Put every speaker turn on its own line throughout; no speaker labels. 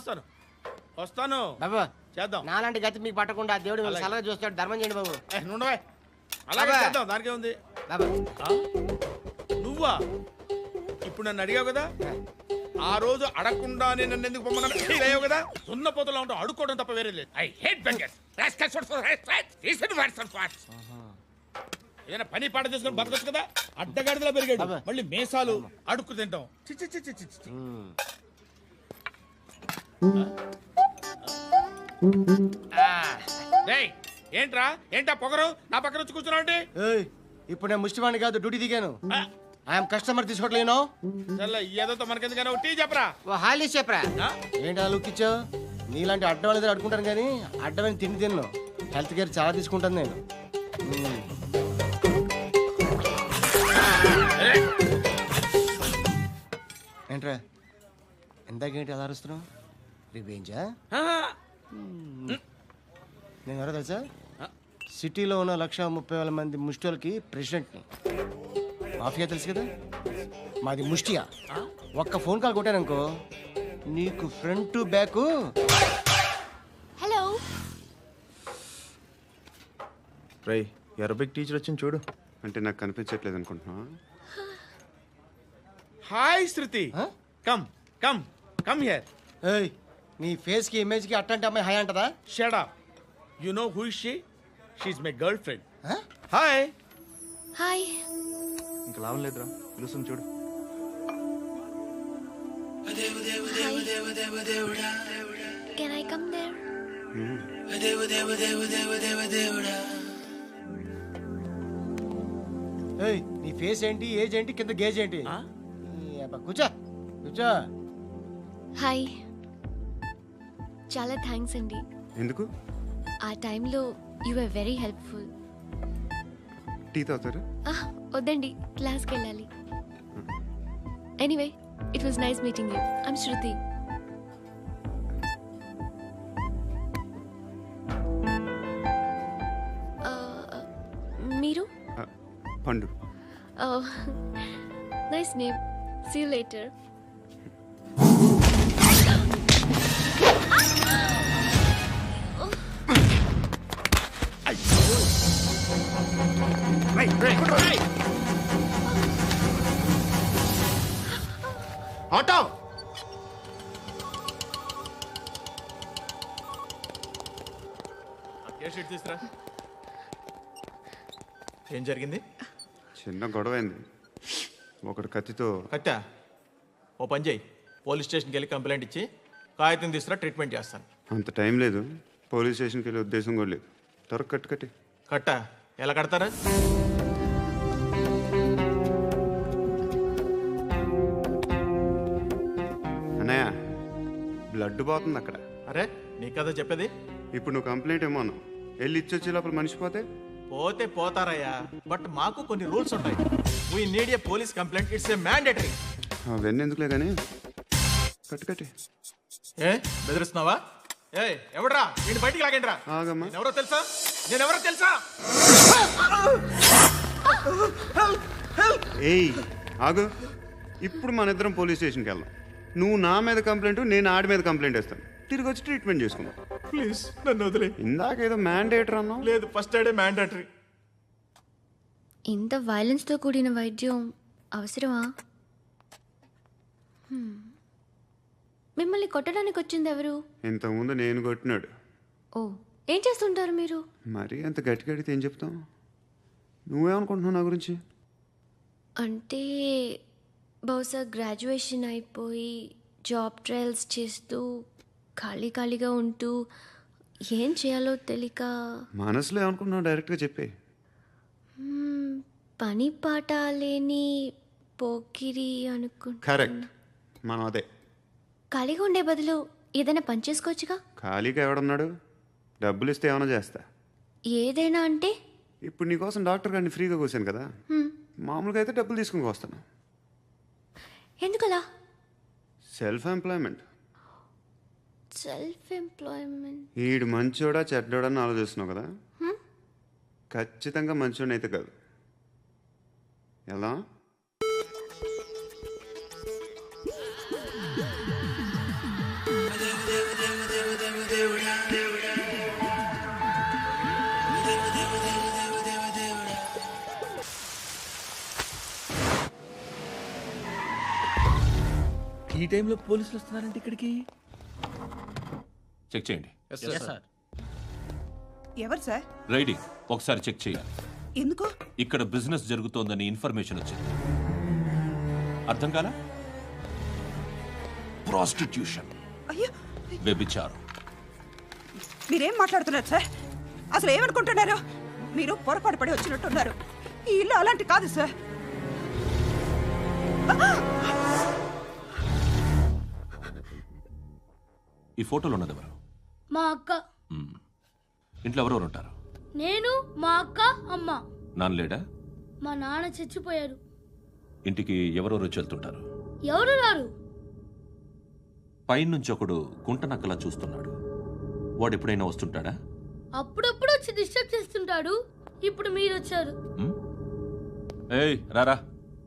వస్తాను
బాబు
చేద్దాం.
నాలాంటి గతి మీకు పట్టకుండా దేవుడు మిమ్మల్ని సలహా చూస్తాడు. ధర్మం చేయండి బాబు.
నుండవే అలాగే
అబ్బా.
చేద్దాం. దానికే ఉంది.
బాబు
నువ్వా ఇప్పుడు నన్ను అడిగావు కదా, ఆ రోజు అడగకుండానే నన్ను ఎందుకు పొమ్మన్నాను ఫీల్ అయ్యావు కదా. సున్న పోతలో ఉంటావు, అడుక్కోవడం తప్ప వేరే లేదు.
I hate beggars.
ఏదైనా పని పాట చేసుకుని బతకొచ్చు కదా. అడ్డగాడిదలా పెరిగాడు,
అబ్బా.
మళ్ళీ మేసాలు అడుక్కు తింటాం. చి చి చి చి చి చి. డేయ్, ఏంట్రా ఏంటా పొగరు నా పక్కన వచ్చి కూర్చున్నావు అంటే?
ఏయ్, ఇప్పుడు నేను ముష్టివాణి కాదు, డ్యూటీ దిగాను. ఐఎమ్ కస్టమర్ తీసుకోవట్లేను.
చల్ల ఏదో మనకెందుకైనా టీ చెప్పరా.
ఓ హాలీ చెప్పరా.
ఆ?
ఏంటి ఆ లుక్ ఇచ్చావు? నీలాంటి అడ్డం వాళ్ళ దగ్గర అడుకుంటాను కానీ అడ్డమైన తిండి తిన్ను. హెల్త్ కేర్ చాలా తీసుకుంటాను నేను. ఏంట్రా ఎందాకేంటి అలా అరుస్తున్నావు? రివేంజా? నేను ఎవరో తెలుసా? సిటీలో ఉన్న 130,000 మంది ముష్టిలకి ప్రెసిడెంట్ని. మాఫియా తెలుసు కదా, మాది ముష్టియా. ఒక్క ఫోన్ కాల్ కొట్టాననుకో నీకు ఫ్రంట్ టు బ్యాక్.
హలో
రై అరబిక్ టీచర్ వచ్చింది చూడు.
అంటే నాకు కనిపించట్లేదు అనుకుంటున్నా.
Hi Shruti.
Huh?
Come come come here.
ఏయ్, నీ ఫేస్ కి ఇమేజ్ కి అట్టంటే అమ్మాయి హాయ్ అంటదా?
Shut up. You know who is she? She is my girlfriend.
Huh?
Hi.
Hi
ఇంకా లాభం లేదురా, పిలుస్తుంది చూడు.
Can I come there?
ఏయ్, నీ ఫేస్ ఏంటి, ఏజ్ ఏంటి, కింద గేజ్ ఏంటి? ఈ అబ్బా, కూర్చో కూర్చో.
హాయ్, చాలా థ్యాంక్స్ అండి.
ఎందుకు?
ఆ టైంలో you are very helpful.
Tea తాగుతారు?
వద్దండి, క్లాస్కి వెళ్ళాలి. Anyway, it was nice meeting you. I'm Shruti. మీరు?
Pandu.
Nice name. See you later.
Auto. తీసుకురా.
ఏం జరిగింది?
చిన్న గొడవ అయింది. ఒకడు కత్తితో.
కట్టా, ఓ పని చేయి, పోలీస్ స్టేషన్కి వెళ్ళి కంప్లైంట్ ఇచ్చి కాగితం తీసుకురా, ట్రీట్మెంట్ చేస్తాను.
అంత టైం లేదు, పోలీస్ స్టేషన్కి వెళ్ళే ఉద్దేశం కూడా లేదు. త్వరగా కట్టి.
కట్టా ఎలా కడతారా?
అన్నయ్య, బ్లడ్ పోతుంది అక్కడ.
అరే నీ కదా చెప్పేది.
ఇప్పుడు నువ్వు కంప్లైంట్ ఏమో అన్నావు, వెళ్ళి ఇచ్చొచ్చే లోపల మనిషి పోతే?
పోతే పోతారయ్యా, బట్ మాకు కొన్ని రూల్స్ ఉంటాయి. We need a police complaint, it's a mandatory.
అవన్నీ ఎందుకులే కానీ కట్టి.
ఏ బెదిరిస్తున్నావా? ఏ ఎవడ్రా వీడిని బయటికి లాగండి రా.
ఆగమ్మా.
నేనెవరో తెలుసా?
ఏయ్ ఆగు. ఇప్పుడు మన ఇద్దరం పోలీస్ స్టేషన్కి వెళ్దాం. నువ్వు నా మీద కంప్లైంట్, నేను ఆడి మీద కంప్లైంట్ వేస్తాను. తిరిగి వచ్చి ట్రీట్మెంట్ చేసుకుందాం.
ప్లీజ్ నన్ను వదిలే.
ఇందాకేదో మ్యాండేటర్ అన్నావు.
లేదు, ఫస్ట్ ఎయిడే మ్యాండేటరీ.
ఇంత వైలెన్స్తో కూడిన వైద్యం అవసరమా? మిమ్మల్ని కొట్టడానికి వచ్చింది ఎవరు?
ఇంతకుముందు నేను కొట్టినాడు.
ఓ, ఏం చేస్తుంటారు మీరు?
మరీ అంత గట్టిగా అడిగితే ఏం చెప్తాం? నువ్వేమనుకుంటున్నావు నా గురించి?
అంటే బహుశా గ్రాడ్యుయేషన్ అయిపోయి జాబ్ ట్రయల్స్ చేస్తూ ఖాళీగా ఉంటూ ఏం చేయాలో తెలియక.
మనసులో ఏమనుకుంటున్నావు డైరెక్ట్గా చెప్పే.
పని పాట లేని పోకిరి అనుకుంటా.
కరెక్ట్, మనం అదే.
ఖాళీగా ఉండే బదులు ఏదైనా పని చేసుకోవచ్చుగా.
ఖాళీగా ఎవడున్నాడు? డబ్బులు ఇస్తే ఏమైనా చేస్తా.
ఏదైనా అంటే?
ఇప్పుడు నీకోసం డాక్టర్ గారిని ఫ్రీగా కూర్చాను కదా, మామూలుగా అయితే డబ్బులు తీసుకుని వస్తాను.
ఎందుకలా?
Self employment. ఈడు మంచోడా చెడ్డోడా అని ఆలోచిస్తున్నావు కదా. ఖచ్చితంగా మంచోడని అయితే కాదు. ఎలా?
ఈ టైంలో పోలీసులు వస్తున్నారంటే ఇక్కడికి?
చెక్ చేయండి.
ఎవరు సార్?
రైడింగ్ ఒకసారి చెక్ చేయాలి.
ఎందుకు?
ఇక్కడ బిజినెస్ జరుగుతోందని ఇన్ఫర్మేషన్ వచ్చింది. అర్థం కాలా? ప్రాస్టిట్యూషన్,
అయ్యో,
వ్యభిచారం.
మీరేం మాట్లాడుతున్నారు సార్? అసలు ఏమనుకుంటున్నారు? మీరు పొరపాటు పడి వచ్చినట్టున్నారు. ఈ ఇల్లు అలాంటి కాదు సార్.
ఈ ఫోటోలో ఉన్నది ఎవరు?
మా అక్క.
ఇంట్లో ఎవరెవరు ఉంటారు?
నేను, మా అక్క, అమ్మ.
నాన్న లేడా?
మా నాన్న చచ్చిపోయారు.
ఇంటికి ఎవరెవరు వచ్చి వెళ్తుంటారు?
ఎవరు రారు.
పైనుంచి ఒకడు గుంట నక్కలా చూస్తున్నాడు. వాడు ఎప్పుడైనా వస్తుంటాడా?
అప్పుడప్పుడు వచ్చి డిస్టర్బ్ చేస్తుంటాడు. ఇప్పుడు మీరు వచ్చారు.
ఏయ్ రారా,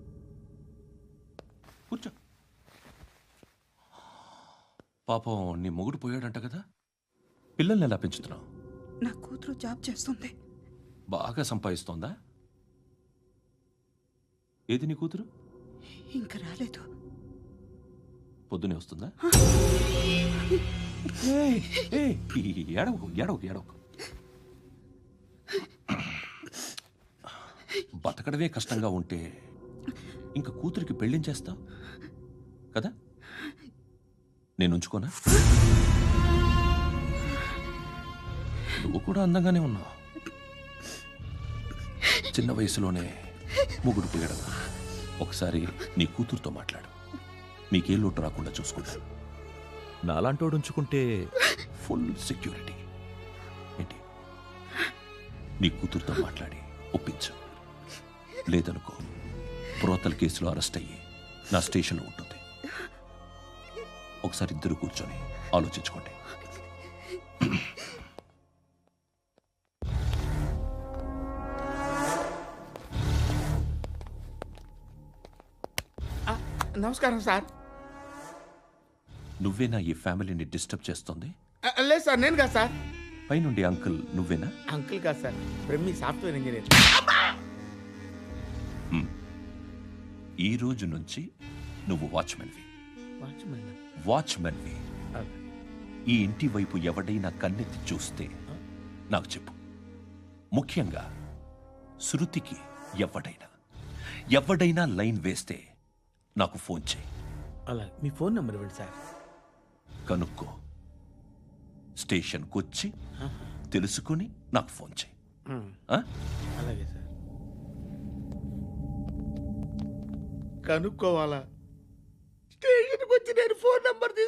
కూర్చో. పాపం నీ మొగుడు పోయాడంట కదా, పిల్లల్ని ఎలా పెంచుతున్నావు?
నా కూతురు జాబ్ చేస్తుంది.
బాగా సంపాదిస్తోందా? ఏది నీ కూతురు?
ఇంకా రాలేదు.
పొద్దునే వస్తుందా? ఏయ్, ఏయ్, ఏడవకు ఏడవకు ఏడవకు. బతకడమే కష్టంగా ఉంటే ఇంకా కూతురికి పెళ్ళించేస్తావు కదా? నేను ఉంచుకోనా? నువ్వు కూడా అందంగానే ఉన్నావు. చిన్న వయసులోనే ముగ్గురు పోయడం. ఒకసారి నీ కూతురుతో మాట్లాడు. మీకే లోటు రాకుండా చూసుకుంటాను. నాలాంటోడు ఉంచుకుంటే ఫుల్ సెక్యూరిటీ. ఏంటి? నీ కూతురుతో మాట్లాడి ఒప్పించు. లేదనుకో, ప్రోతల కేసులో అరెస్ట్ అయ్యి నా స్టేషన్లో ఉంటుంది. ఒకసారి ఇద్దరు కూర్చొని ఆలోచించుకోండి.
నమస్కారం సార్.
నువ్వేనా ఈ ఫ్యామిలీని డిస్టర్బ్ చేస్తుంది?
లేదు సార్, నేను కాదు సార్.
పైనుండి అంకుల్ నువ్వేనా?
అంకుల్ కాదు సార్, బ్రహ్మి సాఫ్ట్వేర్ ఇంజనీర్.
ఈ రోజు నుంచి నువ్వు వాచ్మెన్వి.
వాచ్మెన్?
వాచ్మెన్వి. ఈ ఇంటి వైపు ఎవడైనా కన్నెత్తి చూస్తే నాకు చెప్పు. ముఖ్యంగా శృతికి ఎవడైనా లైన్ వేస్తే నాకు ఫోన్ చేయి.
అలా మీ ఫోన్ నెంబర్ ఇవ్వండి సార్.
కనుక్కో, స్టేషన్కి వచ్చి తెలుసుకుని నాకు ఫోన్ చేయి. ఆ?
అలాగే సార్. కనుక్కోవాలా? స్టేషన్కి వచ్చి నేను ఫోన్ నెంబర్